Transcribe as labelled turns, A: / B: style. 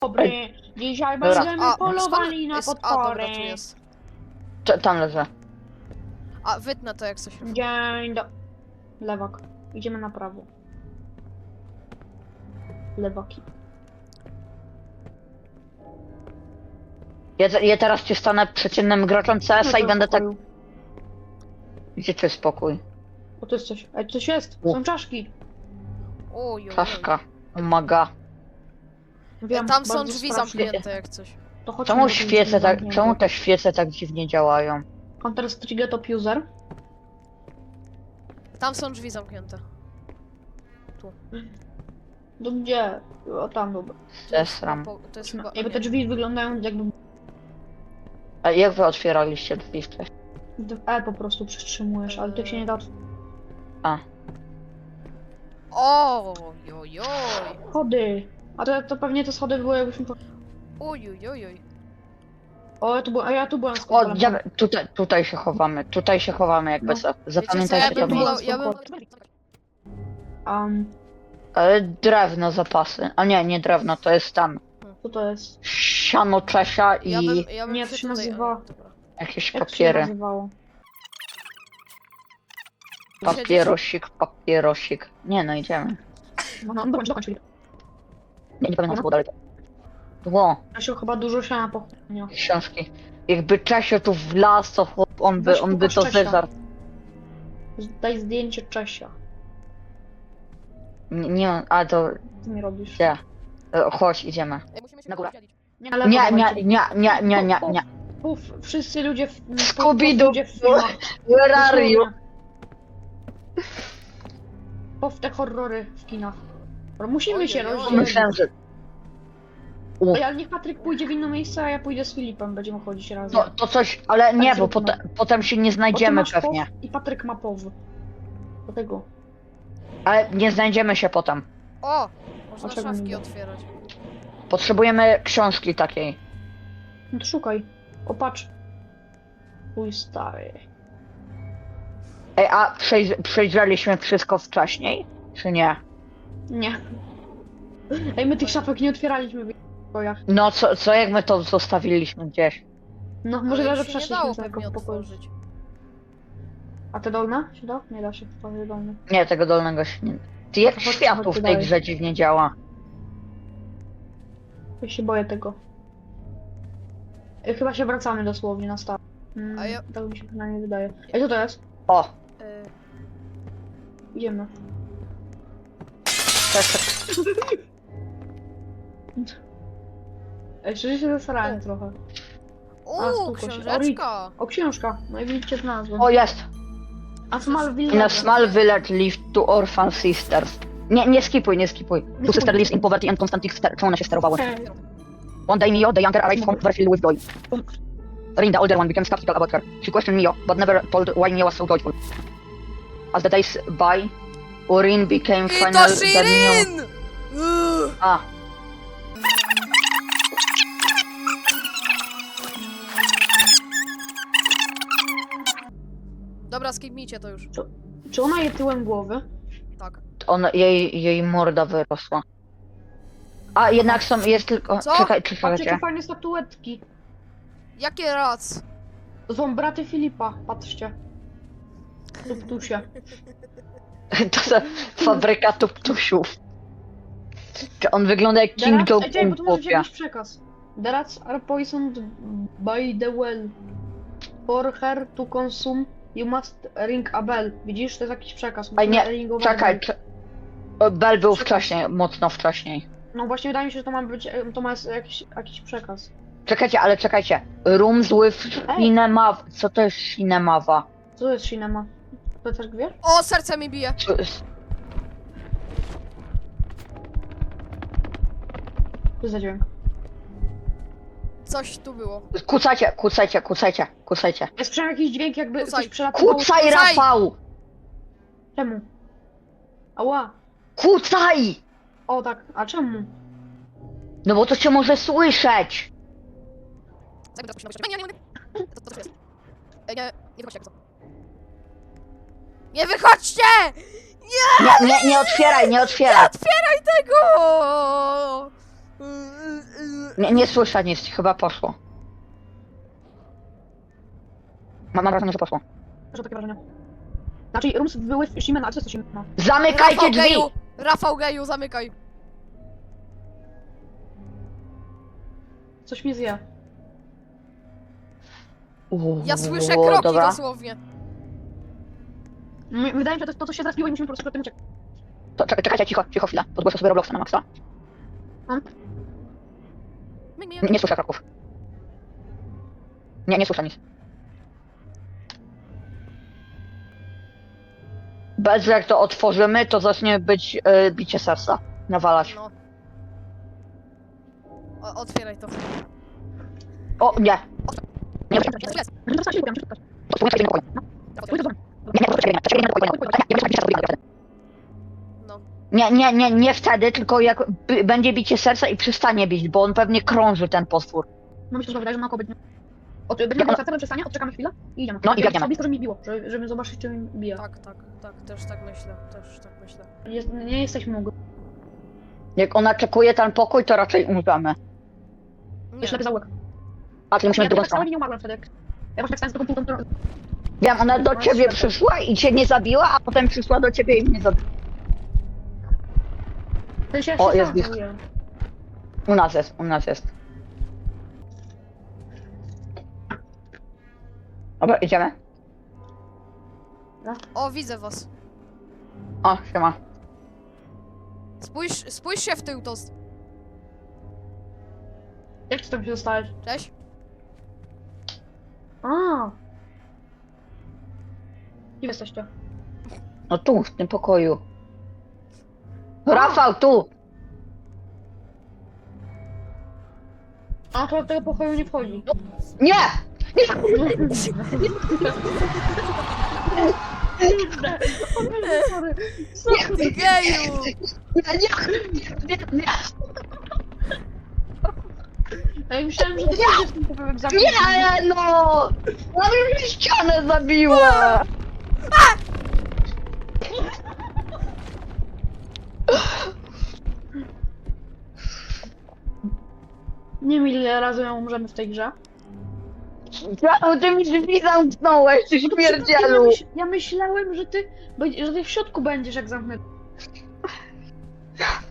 A: Dobry, dzisiaj
B: Dobra.
A: będziemy polowali na potwory.
C: Tu jest.
B: Tam leżę.
C: A, wytnę to jak coś.
A: Dzień do... Lewak. Idziemy na prawo. Lewaki.
B: Ja teraz ci stanę przeciętnym graczem CS-a i będę tak... Gdzie tu jest spokój?
A: O, to jest coś. Ej, coś jest. Są czaszki.
C: Oj,
B: Czaszka. Umaga.
A: Wiem,
C: Tam są
A: bardzo
C: drzwi
A: strasznie.
C: zamknięte jak coś.
A: To chodźmy
B: Czemu
A: do tych
B: świece
A: drzwi
B: tak...
A: zamkniętych.
B: Czemu te świece tak dziwnie działają?
A: Counter Strike Top User.
C: Tam są drzwi zamknięte.
A: To gdzie? O, tam, dobra.
B: Zesram.
C: To jest chyba...
A: Jakby te drzwi wyglądają jakby...
B: A jak wy otwieraliście drzwi wcześniej?
A: Po prostu przytrzymujesz, ale tych się nie da otworzyć.
B: A.
C: Ojojoj.
A: Schody. A to pewnie te schody były jakbyśmy...
C: Ojojoj.
A: O, ja tu byłem z
B: O,
A: kompelem.
B: tutaj się chowamy. Tutaj się chowamy jakby
A: No.
B: co.
C: Wiecie co,
B: Zapamiętajcie
C: ja
B: to.
C: bym
A: było-
C: wolał... Ja bym...
B: Ale drewno zapasy. A nie drewno, to jest tam.
A: Co to jest?
B: Siano Czesia i
C: Ja bym
A: Nie, to się
C: tutaj...
A: nazywa-
C: Dobra.
B: jakieś
A: Jak to się
B: papiery.
A: nazywało?
B: Papierosik. Nie no, idziemy.
A: No, dokończ.
B: Nie pamiętam co było dalej. Było
A: Czesio chyba dużo siana pochłania.
B: książki. Jakby Czesio tu wlazł, to chłop, on by
A: pokaż
B: to
A: Czesia.
B: zeżarł.
A: Daj zdjęcie Czesia.
B: Nie, a to
A: Co mi robisz?
B: gdzie? Chodź, idziemy.
C: Ej, musimy się
B: Na górę.
C: podzielić.
A: Nie, ale
B: Nie.
A: Wszyscy ludzie w...
B: Scooby-Doo.
A: ludzie w filmach.
B: Where are you?
A: W te horrory w kinach. Musimy
C: Ojej,
A: się
C: ojej.
A: rozdzielić.
B: Myślałem, że...
A: Ej, ale niech Patryk pójdzie w inne miejsce, a ja pójdę z Filipem. Będziemy chodzić razem.
B: To coś, ale nie, bo
A: zróbmy.
B: potem się nie
A: Bo ty
B: znajdziemy
A: masz
B: pewnie.
A: POW I Patryk ma POW. Dlatego.
B: Ale nie znajdziemy się potem.
C: O! Można
A: Dlaczego
C: szafki
A: nie?
C: otwierać.
B: Potrzebujemy książki takiej.
A: No to szukaj. O, patrz. Mój stary.
B: Ej, a przejrzeliśmy wszystko wcześniej? Czy nie?
A: Nie. Ej, my tych szafek nie otwieraliśmy w pokojach.
B: No co jak my to zostawiliśmy gdzieś?
A: No, może
C: Ale
A: że
C: ich się nie
A: przeszliśmy
C: dało
A: z tego
C: pewnie
A: pokoju.
C: otworzyć.
A: A te dolne? Się da? Nie da się. To nie dolne.
B: Nie, tego dolnego się nie... Ty jak
A: To chodź,
B: światło
A: chodź
B: w tej
A: dalej.
B: grze dziwnie działa.
A: Ja się boję tego. Chyba się wracamy dosłownie na start.
C: A ja-
A: Tak mi się przynajmniej wydaje. Ej, co to jest?
B: O!
C: Y,
A: Idziemy.
B: Tak,
A: Ej, szczerze się zasrałem trochę.
C: Uuu,
A: spoko się.
C: książeczka!
A: O, książka. No i widzicie znalazłem.
B: O, jest!
A: A Smallville.
B: In a small village lived two orphan sisters. Nie skipuj. Two sisters lives in poverty and constantly czemu one się sterowały? One day Mio, the younger, arrived home overfilled with joy. Rin, the older one, became skeptical about her. She questioned Mio, but never told why Mio was so joyful. As the days by, Urin became
C: I
B: final
C: to
B: that
C: Shirin!
B: Mio... A.
C: Dobra, skipnijcie to już.
A: Czy ona je tyłem głowy?
C: Tak.
B: Jej morda wyrosła. A jednak jest tylko...
C: Co?
B: Czekaj,
A: Patrzcie,
B: czekajcie.
A: jakie fajne statuetki.
C: Jakie rac?
A: To są braty Filipa, patrzcie. Tuptusie.
B: To jest fabryka tuptusiów. Czy on wygląda jak King
A: Ej, czekaj, bo
B: Jong-un,
A: tu może być
B: chłopie.
A: jakiś przekaz. The rats are poisoned by the well. For her to consume, you must ring a bell. Widzisz, to jest jakiś przekaz.
B: Ej, nie,
A: Musimy ringować
B: czekaj.
A: bell.
B: Bell był wcześniej, mocno wcześniej.
A: No właśnie wydaje mi się, że to ma być, to ma jakiś przekaz.
B: Czekajcie. Rooms with
A: Ej.
B: cinema... Co to jest cinemawa?
A: Co to jest cinema? To też wiesz?
C: O, serce mi bije!
B: Co jest...
A: Co za dźwięk?
C: Coś tu było.
B: Kucajcie.
A: Ja słyszałem jakiś dźwięk, jakby
C: Kucaj.
A: coś przelatywało.
B: Kucaj,
C: Kucaj!
B: Rafał!
A: Czemu? Ała.
B: Kucaj!
A: O tak, a czemu?
B: No bo to cię może słyszeć!
C: Co to jest? Ej, nie wychodźcie jak to. Nie wychodźcie!
B: Nie otwieraj!
C: Otwieraj tego!
B: Nie słyszę nic, chyba poszło. Mam wrażenie, że poszło.
A: Proszę takie wrażenie. Znaczy, rooms były w Shimena, a co jest to Shimena?
B: Zamykajcie
C: Rafał
B: drzwi!
C: Geju! Rafał Geju, zamykaj!
A: Coś mnie zje.
C: Ja słyszę kroki
B: dobra.
C: dosłownie.
A: Wydaje mi się, że to, co się zabiło i musimy po prostu przed tym uciekać.
B: To, czekajcie, cicho chwilę. Podgłoszę sobie Robloxa na maksa. Nie słyszę kroków. Nie słyszę nic. Bez jak to otworzymy, to zacznie być bicie serca. Nawalać.
C: No. Otwieraj to.
B: O, nie. Nie,
C: Jest.
A: No to się muszę spotkać.
B: nie,
C: No.
B: nie wtedy, tylko jak będzie bicie serca i przestanie bić, bo on pewnie krąży ten potwór.
A: No myślę, że wydaje, że naokoło będzie. Będzie miał serce, przestanie, odczekamy chwilę i idziemy.
B: No i biegniemy.
A: Blisko, żeby mi biło, żeby zobaczyć, czy mi bije.
C: Tak, też tak myślę,
A: Nie jesteśmy mogli.
B: Jak ona czekuje ten pokój, to raczej umrzemy.
C: Nie.
A: Jeszcze lepiej zaułek.
B: A ty musimy
A: Ja
B: w drugą
A: tak samo
B: stronę.
A: nie umarłem wtedy, jak... Ja właśnie tak stałem z taką półką,
B: Wiem, ona do ciebie przyszła i cię nie zabiła, a potem przyszła do ciebie i mnie zabiła. O, jest blisko. U nas jest. Dobra, idziemy.
C: O, widzę was.
B: O, siema.
C: Spójrz się w tył, Toast.
A: Jak ty tam się dostałeś?
C: Cześć.
A: A. Gdzie jesteście?
B: No tu, w tym pokoju. Rafał, tu!
A: A, to do tego pokoju nie wchodzi.
B: Nie!
A: Sorry.
C: Geju!
B: Nie!
A: Ja myślałem, że ty będziesz w tym pokoju egzaminu.
B: Nie, no! Ona mi ścianę zabiła!
A: Nie wiem, ile razy ją umrzemy w tej grze.
B: Ty mi drzwi zamknąłeś, ty śmierdzielu!
A: Ja myślałem, że ty w środku będziesz, jak zamknę.